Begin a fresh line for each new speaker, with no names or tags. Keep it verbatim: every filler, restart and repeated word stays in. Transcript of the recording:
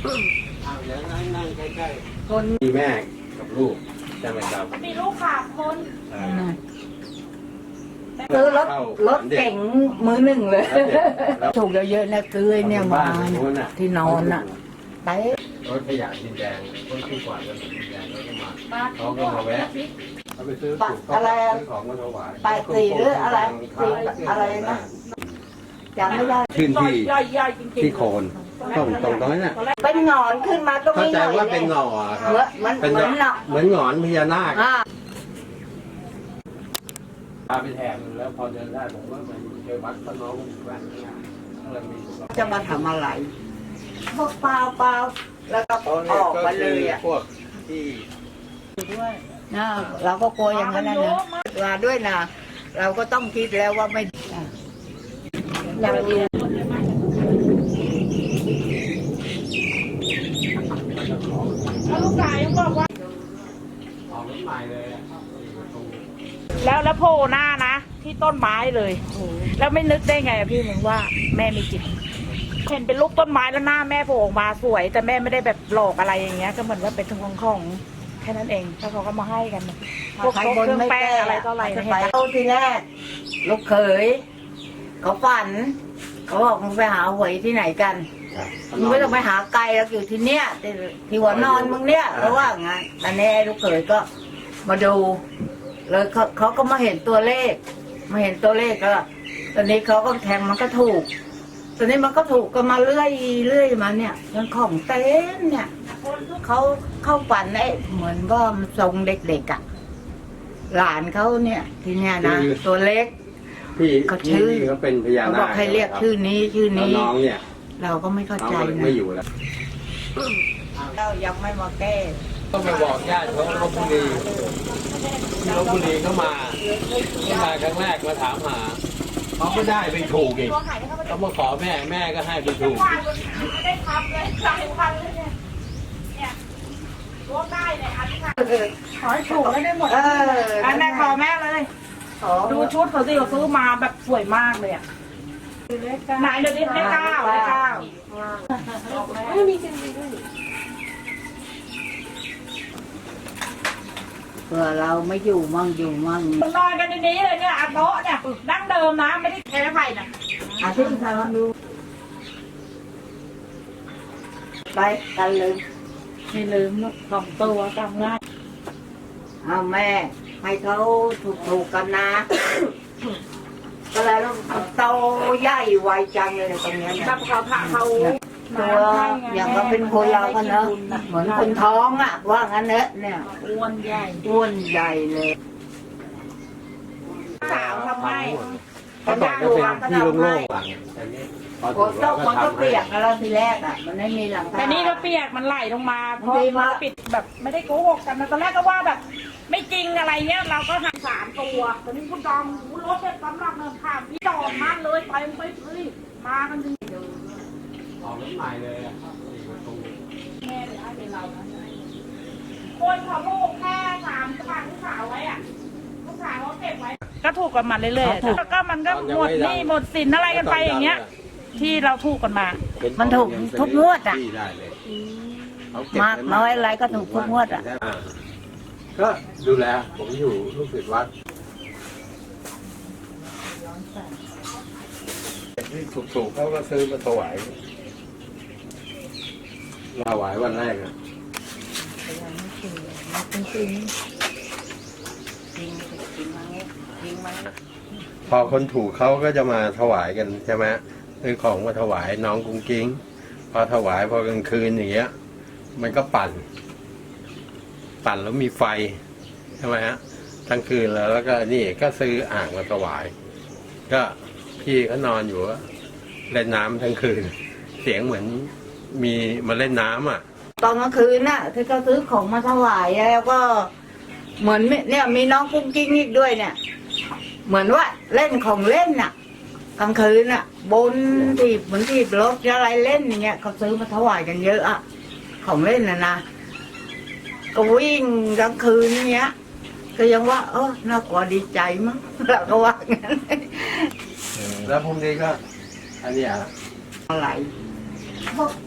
เดี๋ยวนั่งนั่งใกล้ๆคนมีแม่กับลูกใช่ไหมครับ
มีลูกสามคน
ซื้อรถรถเก่งมือหนึ่งเลยถูกเยอะๆนะซื้อเนี่ยมาที่นอนอ่ะไป
รถขยะดินแดงรถที่กวาดกันดินแดงแล้วก็มาเขาก็มาแวะเขาไปซื้อ
อะไร
ของมาถวาย
ไปสี่หรืออะไรสี่อะไรนะจำไม่ได้
ขึ้นที่ที่โคนตรงตรงตรงนั้นน่ะ
เป็นหงอนขึ้นมาก็ไม่
เข้าใจว่าเป็นหงอครับเป็นเหมือนเหมือนหงอนพญานาคพาไปแทนแล้วพอเดินได้ผมว่ามันเจอวัดพระน้องอยู่บ้าน
จะมาทำอะไรพวกเปล่าเปล่าแล้วก็ออกมาเลยอ่ะ
พวกที่
ด้วยนะเราก็กลัวอย่างนั้นนะว่าด้วยนะเราก็ต้องคิดแล้วว่าไม่เราอยู่
แล้วลูกชายยังบอกว่า
ออกรถใหม่เลย
แล้วแล้วโผล่หน้านะที่ต้นไม้เลยแล้วไม่นึกได้ไงพี่มึงว่าแม่มีจิตเห็นเป็นลูกต้นไม้แล้วหน้าแม่โผล่ออกมาสวยแต่แม่ไม่ได้แบบหลอกอะไรอย่างเงี้ยก็เหมือนว่าเป็นของของแค่นั้นเองแล้วเขาก็มาให้กันพวกเครื่องแป้งอะไรต่ออะไร
ไปเอาทีแรกลูกเขยเขาฝันเขาบอกมึงไปหาหวยที่ไหนกันมึงไม่ต้องไปหาไกลแล้วอยู่ที่เนี้ยที่หัวนอนมึงเนี้ยเพราะว่างั้นตอนนี้ลูกเขยก็มาดูเลยเขาเขาก็มาเห็นตัวเลขมาเห็นตัวเลขก็ตอนนี้เขาก็แทงมันก็ถูกตอนนี้มันก็ถูกก็มาเรื่อยเรื่อยมาเนี่ยยังของเต้นเนี่ยเขาเข้าฝันไอ้เหมือนว่ามันทรงเด็กๆอ่ะหลานเขาเนี่ยทีเนี้ยนะตัวเล็ก
เขาชื่อเขาเป็นพญานาค
เขาบอกให้เรียกชื่อนี้ชื่อนี้
น้องเนี่ย
เราก็ไม่เข้าใจนะ
ไม่อยู่แล้ว
เรายังไม่มาแก้
ต้องไปบอกญาติเขาลพบุรีที่ลพบุรีเขามาเขามาครั้งแรกมาถามหาเขาไม่ได้ไปถูกอีกเขามาขอแม่แม่ก็ให้ไปถูก
ไม่ได้ทำเลยหลายวันเลยเนี่ยเนี่ยรู้ได้เลยอันนี้ขอให้ถูกแล้วได้หมดอันแม่ขอแม่เลยดูชุดเขาสิเขาซื้อมาแบบสวยมากเลยอ่ะไหนเดี๋ยวนี้เลขเก้าเลขเก้าไม่มีจริงด้วย
เผื่อเราไม่อยู่มั่งอยู่มั่ง
นอนกันในนี้เลยเนี่ยโต๊ะเนี่ยดั้งเดิมนะไม่ได้แค่ไผ่นะ
อาทิตย์ทำดูไปกันลืม
ไม่ลืมสองตัวจำง่าย
เอาแม่ให้เขาถูกๆกันนะก็แล้วโตใหญ่ไวจังเลยตรงนี้นะ
แบบเขาผ่าเขา
ตัวอย่างก็เป็นคนเรากันเนอะเหมือนคนท้องอ่ะว่างั้นเนอะเนี่ย
อ้วนใหญ่
อ้วนใหญ่เลย
สาวทำไม
เขาบอกจะเป็นที่โล่งๆหลัง
ฝนตกมันก็เปียกแล้วทีแรกอ่ะมันไม่มีหลังคา
แต่นี่ก็เปียกมันไหลลงมาเพราะมาปิดแบบไม่ได้โกหกกันตอนแรกก็ว่าแบบไม่จริงอะไรเงี้ยเราก็ทำสามตัวตอนนี้คุณดอมคุณรถเนี่ยสำหรับเนินข้ามพี่ดอมมาเลยไปไปเฮ้ยมากันดี
ออกรถใหม่เลย
แม่เลยให้เป็นเรานะคนเขาลูกแค่สามฝากลูกสาวไว้อ่ะลูกสาวเขาเก็บไว้ก็ถูกกันมาเรื่อยๆแล้วก็มันก็หมดหนี้หมดสินอะไรกันไปอย่างเงี้ยที่เราถูกกันมา
มันถูกทุกงวดอ่ะมากน้อยอะไรก็ถูกทุกงวดอ่ะ
ก็ดูแลผมอยู่ลูกศิษย์วัดที่ถูกๆเขาก็ซื้อมาถวายถวายวันแรกอ่ะพอคนถูกเขาก็จะมาถวายกันใช่ไหมซื้อของมาถวายน้องกุ้งกิ้งพอถวายพอกลางคืนอย่างเงี้ยมันก็ปั่นปั่นแล้วมีไฟใช่ไหมฮะทั้งคืนแล้วแล้วก็นี่ก็ซื้ออ่างมาถวายก็พี่เขานอนอยู่เล่นน้ำทั้งคืนเสียงเหมือนมีมาเล่นน้ำอ่ะ
ตอนกลางคืนน่ะที่เขาซื้อของมาถวายแล้วก็เหมือนเนี่ยมีน้องกุ้งกิ้งอีกด้วยเนี่ยเหมือนว่าเล่นของเล่นน่ะกลางคืนน่ะบนทีบเหมือนทีบรถอะไรเล่นอย่างเงี้ยเขาซื้อมาถวายกันเยอะอ่ะของเล่นน่ะนะก็วิ่งกลางคืนเนี้ยก็ยังว่าเออน่ากลัวดีใจมั้งเราก็ว่างั้น
แล้วพรุ่งนี้ก็อันนี้
อะไรพวก